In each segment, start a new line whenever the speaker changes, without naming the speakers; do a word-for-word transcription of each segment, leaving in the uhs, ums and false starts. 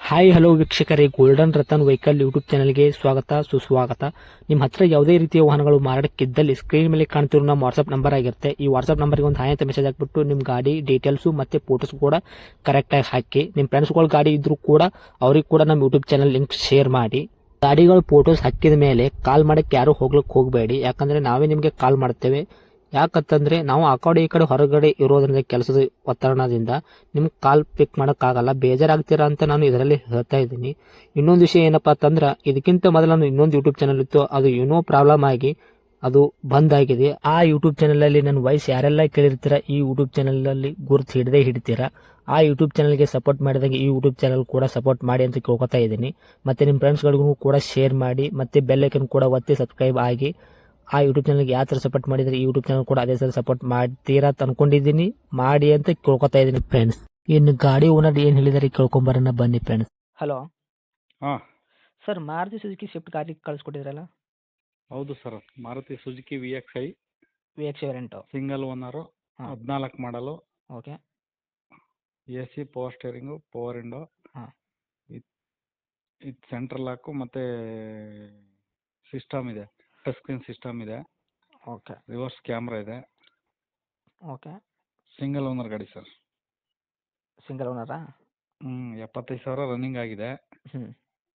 Hi hello ವೀಕ್ಷಕರೇ, golden Ratan vehicle YouTube ಚಾನಲ್ಗೆ ಸ್ವಾಗತ ಸುಸ್ವಾಗತ. ನಿಮ್ಮ ಹತ್ರ ಯಾವುದೇ ರೀತಿಯ ವಾಹನಗಳು ಮಾರಾಟಕ್ಕಿದ್ದಲ್ಲಿ ಸ್ಕ್ರೀನ್ ಮೇಲೆ ಕಾಣ್ತಿರೋ ನಮ್ಮ ವಾಟ್ಸ್ಆಪ್ ನಂಬರ್ ಆಗಿರುತ್ತೆ. ಈ ವಾಟ್ಸ್ಆಪ್ ನಂಬರ್ಗೆ ಒಂದು ಹಾಯ್ ಅಂತ ಮೆಸೇಜ್ ಹಾಕ್ಬಿಟ್ಟು ನಿಮ್ಮ ಗಾಡಿ ಡೀಟೇಲ್ಸು ಮತ್ತೆ ಫೋಟೋಸ್ ಕೂಡ ಕರೆಕ್ಟಾಗಿ ಹಾಕಿ. ನಿಮ್ಮ ಫ್ರೆಂಡ್ಸ್ಗಳ ಗಾಡಿ ಇದ್ರೂ ಕೂಡ ಅವ್ರಿಗೆ ಕೂಡ ನಮ್ಮ ಯೂಟ್ಯೂಬ್ ಚಾನಲ್ ಲಿಂಕ್ ಶೇರ್ ಮಾಡಿ. ಗಾಡಿಗಳು ಫೋಟೋಸ್ ಹಾಕಿದ ಮೇಲೆ ಕಾಲ್ ಮಾಡಕ್ಕೆ ಯಾರು ಹೋಗ್ಲಿಕ್ಕೆ ಹೋಗಬೇಡಿ, ಯಾಕಂದ್ರೆ ನಾವೇ ನಿಮಗೆ ಕಾಲ್ ಮಾಡ್ತೇವೆ. ಯಾಕಂತಂದ್ರೆ ನಾವು ಆ ಕಡೆ ಈ ಕಡೆ ಹೊರಗಡೆ ಇರೋದ್ರಿಂದ ಕೆಲಸದ ಒತ್ತಡದಿಂದ ನಿಮ್ಗೆ ಕಾಲ್ ಪಿಕ್ ಮಾಡೋಕ್ಕಾಗಲ್ಲ, ಬೇಜಾರಾಗ್ತೀರಾ ಅಂತ ನಾನು ಇದರಲ್ಲಿ ಹೇಳ್ತಾ ಇದ್ದೀನಿ. ಇನ್ನೊಂದು ವಿಷಯ ಏನಪ್ಪಾ ಅಂತಂದ್ರೆ, ಇದಕ್ಕಿಂತ ಮೊದಲು ನಾನು ಇನ್ನೊಂದು ಯೂಟ್ಯೂಬ್ ಚಾನಲ್ ಇತ್ತು, ಅದು ಏನೋ ಪ್ರಾಬ್ಲಮ್ ಆಗಿ ಅದು ಬಂದ್ ಆಗಿದೆ. ಆ ಯೂಟ್ಯೂಬ್ ಚಾನಲ್ ಅಲ್ಲಿ ನನ್ನ ವಾಯ್ಸ್ ಯಾರೆಲ್ಲ ಕೇಳಿರ್ತೀರಾ, ಈ ಯೂಟ್ಯೂಬ್ ಚಾನಲ್ ಅಲ್ಲಿ ಗುರುತು ಹಿಡದೆ ಹಿಡಿತೀರಾ. ಆ ಯೂಟ್ಯೂಬ್ ಚಾನಲ್ಗೆ ಸಪೋರ್ಟ್ ಮಾಡಿದಾಗ ಈ ಯೂಟ್ಯೂಬ್ ಚಾನಲ್ ಕೂಡ ಸಪೋರ್ಟ್ ಮಾಡಿ ಅಂತ ಕೇಳ್ಕೊತಾ ಇದ್ದೀನಿ. ಮತ್ತೆ ನಿಮ್ಮ ಫ್ರೆಂಡ್ಸ್ಗಳಿಗೂ ಕೂಡ ಶೇರ್ ಮಾಡಿ, ಮತ್ತೆ ಬೆಲ್ ಐಕನ್ ಕೂಡ ಒತ್ತಿ ಸಬ್ಸ್ಕ್ರೈಬ್ ಆಗಿ. ಆ ಯೂಟ್ಯೂಬ್ ಚಾನಲ್ಗೆ ಯಾವ ಥರ ಸಪೋರ್ಟ್ ಮಾಡಿದ್ರೆ ಈ ಯೂಟ್ಯೂಬ್ ಚಾನಲ್ ಕೂಡ ಅದೇ ಥರ ಸಪೋರ್ಟ್ ಮಾಡ್ತೀರಾ ಅಂತ ಅನ್ಕೊಂಡಿದ್ದೀನಿ. ಮಾಡಿ ಅಂತ ಕೇಳ್ಕೊತಾ ಇದ್ದೀನಿ ಫ್ರೆಂಡ್ಸ್. ಇನ್ನು ಗಾಡಿ ಓನರ್ ಏನು ಹೇಳಿದಾರೆ ಕೇಳ್ಕೊಂಬರೋಣ ಬನ್ನಿ ಫ್ರೆಂಡ್ಸ್. ಹಲೋ
ಹಾಂ
ಸರ್, ಮಾರುತಿ ಸುಜುಕಿ ಸ್ವಿಫ್ಟ್ ಗಾಡಿ ಕಳಿಸ್ಕೊಟ್ಟಿದ್ರಲ್ಲ,
ಹೌದು sir. Maruti Suzuki V X I
V X variant.
Single owner,
ಹಾಂ.
ಹದಿನಾಲ್ಕು ಮಾಡಲು,
okay.
A C, power steering, power window,
ಹಾಂ.
ಇದು ಇದು ಸೆಂಟ್ರಲ್ ಲಾಕು ಮತ್ತು ಸಿಸ್ಟಮ್ ಇದೆ, ಟಚ್ ಸ್ಕ್ರೀನ್ ಸಿಸ್ಟಮ್ ಇದೆ,
ಓಕೆ.
ರಿವರ್ಸ್ ಕ್ಯಾಮ್ರಾ ಇದೆ.
ಓಕೆ.
ಸಿಂಗಲ್ ಓನರ್ ಗಾಡಿ ಸರ್.
ಸಿಂಗಲ್ ಓನರಾ?
ಹ್ಞೂ ಎಪ್ಪತ್ತೈದು ಸಾವಿರ ರನ್ನಿಂಗ್ ಆಗಿದೆ.
ಹ್ಞೂ.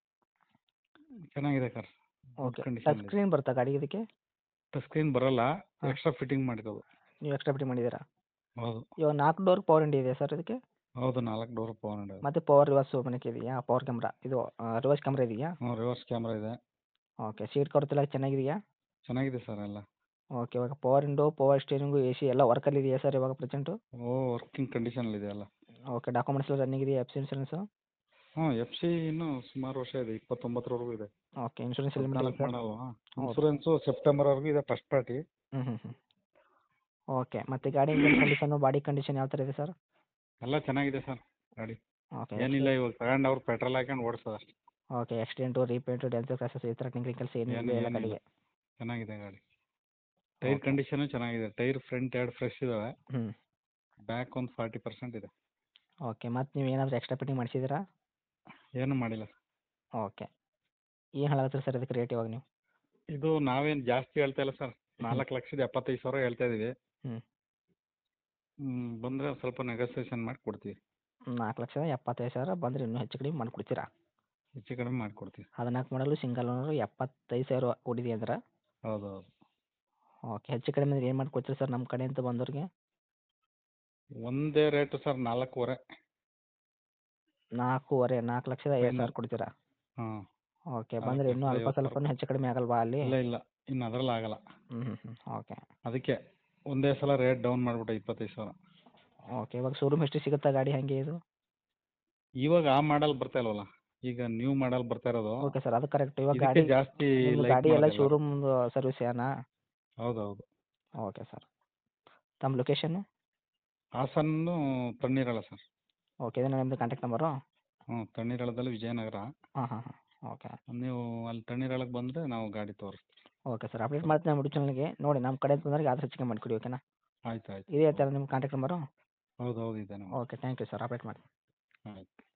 ಚೆನ್ನಾಗಿದೆ ಸರ್.
ಓಕೆ.
ಕಂಡೀಷನ್
ಟಚ್
ಇದೆ.
ಸ್ಕ್ರೀನ್ ಬರುತ್ತಾ ಗಾಡಿಗೆ ಇದಕ್ಕೆ?
ಟಚ್ ಸ್ಕ್ರೀನ್ ಬರಲ್ಲ,
ಹಾಂ.
ಎಕ್ಸ್ಟ್ರಾ ಫಿಟ್ಟಿಂಗ್ ಮಾಡಿರೋದು.
ನೀವು ಎಕ್ಸ್ಟ್ರಾ ಫಿಟ್ಟಿಂಗ್ ಮಾಡಿದ್ದೀರಾ?
ಹೌದು
ಇವಾಗ ನಾಲ್ಕು ಡೋರ್ ಪವರ್ ವಿಂಡೋ ಇದೆ ಸರ್ ಇದಕ್ಕೆ?
ಹೌದು ನಾಲ್ಕು ಡೋರ್ ಪವರ್ ವಿಂಡೋ ಇದೆ.
ಮತ್ತು ಪವರ್ ರಿವರ್ಸ್ ಮನೆಗೆ ಇದೆಯಾ? ಪವರ್ ಕ್ಯಾಮ್ರಾ ಇದು ರಿವರ್ಸ್ ಕ್ಯಾಮ್ರಾ ಇದೆಯಾ?
ಹ್ಞೂ ರಿವರ್ಸ್ ಕ್ಯಾಮ್ರಾ ಇದೆ.
ಓಕೆ. ಸೀಟ್ ಕವರ್ಸ್ ಎಲ್ಲ ಚೆನ್ನಾಗಿದೆಯಾ?
ಚೆನ್ನಾಗಿದೆ ಸರ್ ಎಲ್ಲ.
ಓಕೆ. ಇವಾಗ power window, power steering, A C ಎಲ್ಲ ವರ್ಕಲ್ಲಿ ಇದೆಯಾ ಸರ್ ಇವಾಗ ಪ್ರೆಸೆಂಟು?
ಓ ವರ್ಕಿಂಗ್ ಕಂಡೀಷನಲ್ಲಿದೆ ಎಲ್ಲ.
ಓಕೆ. ಡಾಕ್ಯುಮೆಂಟ್ಸ್ ಎಲ್ಲ ರನ್ನಿಂಗ್ ಇದೆಯಾ? F C insurance?
ಹ್ಞೂ ಎಫ್ ಸಿ ಇನ್ನೂ ಸುಮಾರು ವರ್ಷ ಇದೆ, ಇಪ್ಪತ್ತೊಂಬತ್ತರವರೆಗೂ ಇದೆ.
ಓಕೆ. ಇನ್ಶೂರೆನ್ಸ್ ಎಲ್ಲಿ ಮಾಡಲ್ಲ
ಹದಿನಾಲ್ಕು
ಸರ್?
ಮಾಡಲ್ವಾ?
ಹೌದು.
ಇನ್ಸೂರೆನ್ಸು ಸೆಪ್ಟೆಂಬರ್ವರೆಗೂ ಇದೆ, ಫಸ್ಟ್ ಪಾರ್ಟಿ.
ಹ್ಞೂ ಹ್ಞೂ ಹ್ಞೂ ಓಕೆ. ಮತ್ತು ಗಾಡಿ ಇಂಜಿನ್ ಕಂಡೀಷನು, ಬಾಡಿ ಕಂಡೀಷನ್ ಯಾವ ಥರ ಇದೆ ಸರ್?
ಎಲ್ಲ ಚೆನ್ನಾಗಿದೆ ಸರ್ ಗಾಡಿ.
ಓಕೆ.
ಏನಿಲ್ಲ, ಇವಾಗ ತಗೊಂಡು ಅವ್ರು ಪೆಟ್ರೋಲ್ ಹಾಕೊಂಡು ಓಡಿಸೋದು ಅಷ್ಟೇ.
Okay. Accident, repaint, dent, crosses ಈ ಥರ ಟಿಂಕ್ರಿಂಗ್ ಕೆಲಸ
ಏನು
ಏನಿಲ್ಲ ಎಲ್ಲ
ಏನಿಲ್ಲ,
ಗಾಡಿಗೆ?
ಚೆನ್ನಾಗಿದೆ ಗಾಡಿ. Tyre
okay.
ಕಂಡೀಷನು ಚೆನ್ನಾಗಿದೆ. ಟೈರ್ ಫ್ರಂಟ್ ಎರಡು ಫ್ರೆಶ್ ಇದ್ದಾವೆ,
ಹ್ಞೂ.
ಬ್ಯಾಕ್ ಒಂದು ಫಾರ್ಟಿ ಪರ್ಸೆಂಟ್ ಇದೆ.
ಓಕೆ. ಮತ್ತು ನೀವು ಏನಾದರೂ ಎಕ್ಸ್ಟ್ರಾ ಫಿಟ್ಟಿಂಗ್ ಮಾಡಿಸಿದ್ದೀರಾ?
ಏನು ಮಾಡಿಲ್ಲ.
ಓಕೆ. ಏನು ಹೇಳತ್ತೀರಿ ಸರ್ ಇದಕ್ಕೆ ರೇಟ್ ಇವಾಗ ನೀವು?
ಇದು ನಾವೇನು ಜಾಸ್ತಿ ಹೇಳ್ತಾ ಇಲ್ಲ ಸರ್,
ಹ್ಞೂ.
ನಾಲ್ಕು ಲಕ್ಷದ ಎಪ್ಪತ್ತೈದು ಸಾವಿರ ಹೇಳ್ತಾ ಇದ್ದೀವಿ.
ಹ್ಞೂ.
ಹ್ಞೂ ಬಂದರೆ ಸ್ವಲ್ಪ ನೆಗೋಸಿಯೇಷನ್ ಮಾಡಿ ಕೊಡ್ತೀವಿ.
ನಾಲ್ಕು ಲಕ್ಷದ ಎಪ್ಪತ್ತೈದು ಸಾವಿರ ಬಂದರೆ ಇನ್ನೂ ಹೆಚ್ಚು ಕಡಿಮೆ ಮಾಡಿಕೊಡ್ತೀರಾ?
ಹೆಚ್ಚು ಕಡಿಮೆ ಮಾಡಿಕೊಡ್ತೀವಿ.
ಹದಿನಾಲ್ಕು ಮಾಡಲು ಸಿಂಗಲ್ ಓನರು ಎಪ್ಪತ್ತೈದು ಸಾವಿರ ಓಡಿದೆ ಅಂದ್ರೆ?
ಹೌದು ಹೌದು.
ಓಕೆ. ಹೆಚ್ಚು ಕಡಿಮೆ ಏನು ಮಾಡಿಕೊಡ್ತೀರಿ ಸರ್ ನಮ್ಮ ಕಡೆಯಿಂದ ಬಂದವ್ರಿಗೆ?
ಒಂದೇ ರೇಟು ಸರ್, ನಾಲ್ಕೂವರೆ.
ನಾಲ್ಕೂವರೆ ನಾಲ್ಕು ಲಕ್ಷದ ಐವತ್ತು ಸಾವಿರ
ಫೈನಲ್.
ಕೊಡ್ತೀರಾ?
ಹಾಂ
ಓಕೆ.
ನಾಲ್ಕು
ಬಂದರೆ ಇನ್ನೂ
ಲಕ್ಷದ
ಅಲ್ಪ
ಐವತ್ತು ಸಾವಿರ
ಸ್ವಲ್ಪನೂ ಹೆಚ್ಚು ಕಡಿಮೆ ಆಗಲ್ವಾ ಅಲ್ಲಿ?
ಇಲ್ಲ ಇಲ್ಲ, ಇನ್ನು ಅದರಲ್ಲಿ ಆಗಲ್ಲ.
ಹ್ಞೂ ಹ್ಞೂ ಹ್ಞೂ ಓಕೆ.
ಅದಕ್ಕೆ ಒಂದೇ ಸಲ ರೇಟ್ ಡೌನ್ ಮಾಡಿಬಿಟ್ಟೆ ಇಪ್ಪತ್ತೈದು ಸಾವಿರ.
ಓಕೆ. ಇವಾಗ ಶೋರೂಮ್ ಎಷ್ಟು ಸಿಗುತ್ತಾ ಗಾಡಿ ಹಾಗೆ ಇದು?
ಇವಾಗ ಆ ಮಾಡಲ್ ಬರ್ತಾ ಇಲ್ವಲ್ಲ, ಈಗ ನ್ಯೂ ಮಾಡಲ್ ಬರ್ತಾ ಇರೋದು.
ಓಕೆ ಸರ್, ಅದು ಕರೆಕ್ಟ್. ಇವಾಗ
ಇದಕ್ಕೆ
ಗಾಡಿ
ಜಾಸ್ತಿ
ನಿಮ್ಮ
ಲೈಕ್
ಗಾಡಿ ಎಲ್ಲ
ಮಾಡೋದಿಲ್ಲ.
ಶೋರೂಮ್ ಸರ್ವಿಸ್ ಏನಾ?
ಹೌದು ಹೌದು.
Okay sir. ತಮ್ಮ ಲೊಕೇಶನ್ನು?
ಹಾಸನ್ನು ತಣ್ಣೀರಳ ಸರ್.
ಓಕೆ. ಇದೇನಾ ನಿಮ್ಮದು ಕಾಂಟ್ಯಾಕ್ಟ್ ನಂಬರು?
ಹ್ಞೂ ತಣ್ಣೀರಳದಲ್ಲಿ ವಿಜಯನಗರ.
ಹಾಂ ಹಾಂ ಹಾಂ ಓಕೆ.
ನೀವು ಅಲ್ಲಿ ತಣ್ಣೀರಳಕ್ಕೆ ಬಂದರೆ ನಾವು ಗಾಡಿ ತೋರಿಸ್ತೀವಿ.
Okay sir. ಅಪ್ಡೇಟ್ ಮಾಡ್ತೀನಿ ನಮ್ಮ ಯೂಟ್ಯೂಬ್ ಚಾನಲ್ಗೆ. ನೋಡಿ ನಮ್ಮ ಕಡೆ ಬಂದವ್ರಿಗೆ ಆದಷ್ಟು ಹೆಚ್ಚಿಗೆ ಮಾಡಿಕೊಡಿ, ಓಕೆನಾ?
ಆಯ್ತು ಆಯ್ತು.
ಇದೇ ಥರ ನಿಮ್ಮ ಕಾಂಟ್ಯಾಕ್ಟ್ ನಂಬರು?
ಹೌದು ಹೌದು ಇದೆ ನಮ್ಮ.
Okay. Thank you sir. Update ಮಾಡಿ.
ಆಯ್ತು.